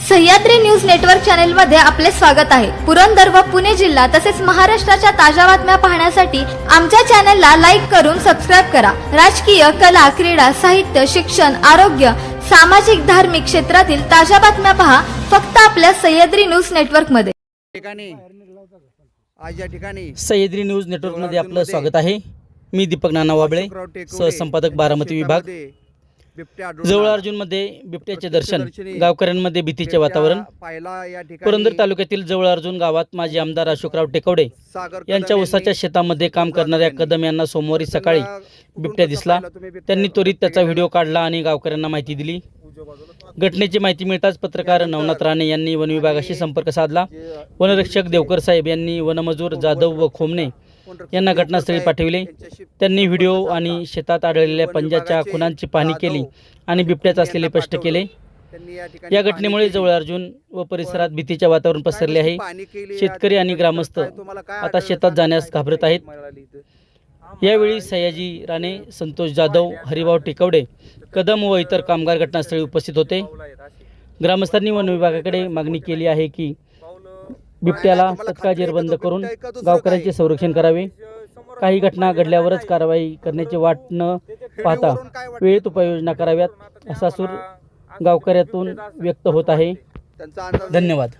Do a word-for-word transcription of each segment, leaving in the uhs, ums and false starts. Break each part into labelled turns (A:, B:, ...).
A: Sahyadri news network channel मध्ये आपले स्वागत आहे। पुरंदर व पुणे जिल्हा तसेच महाराष्ट्राच्या ताज्या बातम्या पाहण्यासाठी आमच्या चॅनलला लाईक करून सबस्क्राइब करा। राजकीय, कला, क्रीडा, साहित्य, शिक्षण, आरोग्य, सामाजिक, धार्मिक क्षेत्रातील ताज्या बातम्या पहा फक्त आपल्या सह्याद्री न्यूज नेटवर्क मध्ये।
B: ठिकाणी आज या ठिकाणी
C: सह्याद्री न्यूज नेटवर्क मध्ये आपलं स्वागत आहे। मी दीपक नाना वाबळे, सहसंपादक बारामती विभाग। जवळ अर्जुन मध्ये बिबट्याचे दर्शन, गावकऱ्यांमध्ये भीतीचे वातावरण। पुरंदर तालुक्यातील जवळ अर्जुन गावात माजी आमदार अशोकराव टेकवडे यांच्या ऊसाच्या शेतामध्ये काम करणाऱ्या कदम यांना सोमवारी सकाळी बिबट्या दिसला। त्यांनी त्वरित त्याचा व्हिडिओ काढला आणि गावकऱ्यांना माहिती दिली। घटनेची माहिती मिळताच पत्रकार नवनाथ राणे यांनी वन विभागाशी संपर्क साधला। वनरक्षक देवकर साहेब यांनी वनमजूर जाधव व खोमणे यांना घटनास्थळी पाठविले। त्यांनी व्हिडिओ आणि शेतात आढळलेल्या पंजाच्या खुणांची पाहणी केली आणि बिबट्याचे असलेले स्पष्ट केले। या घटनेमुळे जवळ अर्जुन व परिसरात भीतीचे वातावरण पसरले आहे। शेतकरी आणि ग्रामस्थ आता शेतात जाण्यास घाबरत आहेत। यावेळी सयाजी राणे, संतोष जाधव, हरिभाऊ टेकवडे, कदम व इतर कामगार घटनास्थळी उपस्थित होते। ग्रामस्थांनी वन विभागाकडे मागणी केली आहे की बिबट्याला तत्काळ जेरबंद करून गावकऱ्यांचे संरक्षण करावे। काही घटना घडल्यावरच कारवाई करण्याची वाट न पाहता वेळेत उपाययोजना कराव्यात, असा सूर गावकऱ्यातून व्यक्त होत आहे। धन्यवाद।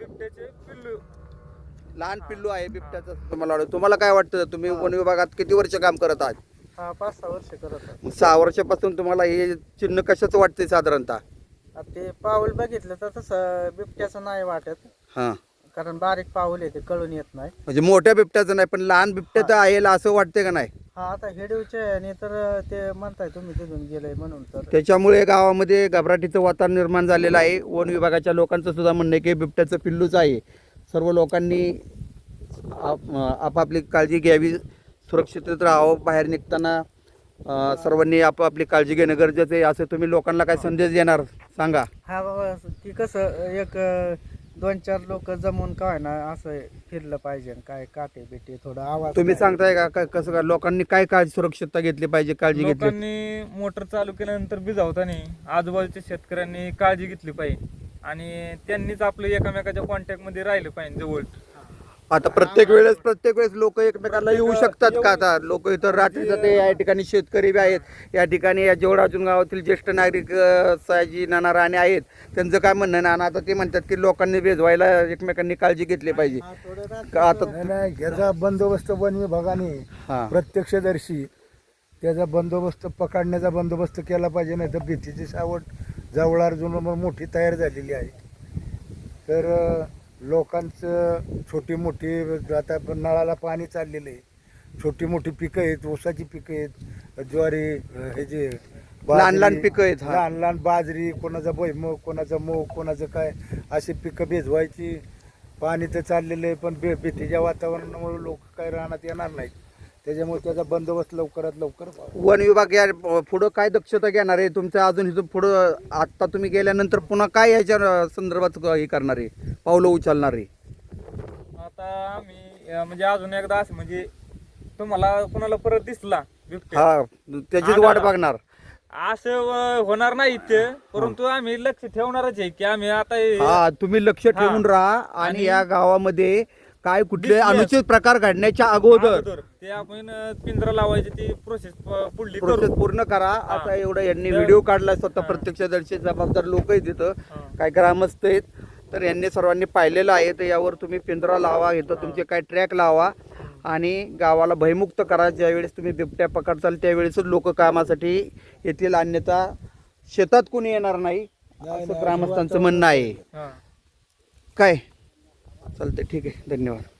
B: लहान पिल्लू आहे बिबट्याचं तुम्हाला वाटतं? तुम्हाला काय वाटतं? तुम्ही वन विभागात किती वर्ष काम करत आहात?
D: हा पाच सहा वर्ष करत आहे।
B: सहा वर्षापासून तुम्हाला हे चिन्ह कशाचं वाटतंय साधारणतः?
D: ते पाऊल बघितलं तर तसं बिबट्याचं नाही वाटत,
B: हां,
D: कारण बारीक पाऊल आहे ते कळून येत नाही।
B: म्हणजे मोठ्या बिबट्याचं नाही पण लहान बिबट्याचं आहे असं वाटतंय का नाही?
D: हा आता हेडूचे आणि तर ते म्हणताय तुम्ही तिथून गेलंय म्हणून, तर
B: त्याच्यामुळे गावामध्ये घबराटीचं वातावरण निर्माण झालेलं आहे। वन विभागाच्या लोकांचं सुद्धा म्हणणं आहे की बिबट्याचं पिल्लूच आहे। सर्व लोकांनी आप आपापली काळजी घ्यावी, सुरक्षित राहावं। बाहेर निघताना सर्वांनी आपापली काळजी घेणं गरजेचं आहे। असं तुम्ही लोकांना काय संदेश देणार सांगा?
D: हा बाबा की कसं एक दोन चार लोक जमून काय ना असं फिरलं पाहिजे, काय काटे बिटे थोडा आवाज।
B: तुम्ही सांगताय का काय कसं का लोकांनी काय काळजी सुरक्षितता घेतली पाहिजे, काळजी घेतली?
E: लोकांनी मोटर चालू केल्यानंतर भिजावताना आजूबाजूच्या शेतकऱ्यांनी काळजी घेतली पाहिजे आणि त्यांनीच आपलं एकमेकाच्या कॉन्टॅक्ट मध्ये राहिलं पाहिजे जवळ।
B: आता प्रत्येक वेळेस प्रत्येक वेळेस लोक एकमेकांना येऊ शकतात का? आता लोक इतर रात्री जाते, या ठिकाणी शेतकरी बी आहेत, या ठिकाणी या जवळ अर्जुन गावातील ज्येष्ठ नागरिक सयाजी नाना राणे आहेत। त्यांचं काय म्हणणं नाना? आता ते म्हणतात की लोकांनी भेजवायला एकमेकांनी काळजी घेतली पाहिजे। आता
F: याचा बंदोबस्त वन विभागाने प्रत्यक्षदर्शी त्याचा बंदोबस्त पकडण्याचा बंदोबस्त केला पाहिजे, नाही तर भीतीची सावट जवळ अर्जुन मोठी तयार झालेली आहे। तर लोकांचं छोटी मोठी आता नळाला पाणी चाललेलं आहे, छोटी मोठी पिकं आहेत, ऊसाची पिकं आहेत, ज्वारी, हे जे
B: लहान लहान पिकं आहेत,
F: लहान लहान बाजरी, कोणाचा भुईमूग, कोणाचा मूग, कोणाचं काय, अशी पिकं भिजवायची। पाणी तर चाललेलं आहे पण भे भीतीच्या वातावरणामुळे लोक काय राहण्यात येणार नाहीत, त्याच्यामुळे त्याचा बंदोबस्त लवकरात लवकर।
B: वन विभाग या पुढं काय दक्षता घेणार आहे तुमचं? अजून इथं पुढं आत्ता तुम्ही गेल्यानंतर पुन्हा काय याच्या संदर्भात हे करणार आहे, पावलं उचलणार आहे?
E: आता आम्ही अं, म्हणजे अजून एकदा असं म्हणजे तुम्हाला कुणाला परत दिसला बिबट्या,
B: हा, त्याचीच वाट बघणार
E: असं अं, होणार नाही ते, परंतु आम्ही लक्ष ठेवणारच आहे की आम्ही आता हे-
B: हा, तुम्ही लक्ष ठेवून राहा आणि या गावामध्ये काय कुठले अनुचित प्रकार घडण्याच्या अगोदर
E: अगोदर ते आपण अं, पिंजरा लावायची ती प्रोसेस पुढली
B: प्रोसेस
E: करू।
B: पूर्ण करा। आता एवढं यांनी व्हिडिओ काढला, स्वतः प्रत्यक्षदर्शी जबाबदार लोक आहेत तिथं, काय ग्रामस्थ आहेत, तर यांनी सर्वांनी पाहिलेलं आहे। तर यावर तुम्ही पिंजरा लावा, इथं तुमचे काय ट्रॅक लावा आणि गावाला भयमुक्त करा। ज्यावेळेस तुम्ही बिबट्या पकडचाल त्यावेळेसच लोक कामासाठी येतील, अन्यथा शेतात कोणी येणार नाही, असं ग्रामस्थांचं म्हणणं आहे। काय चालतंय, ठीक आहे, धन्यवाद।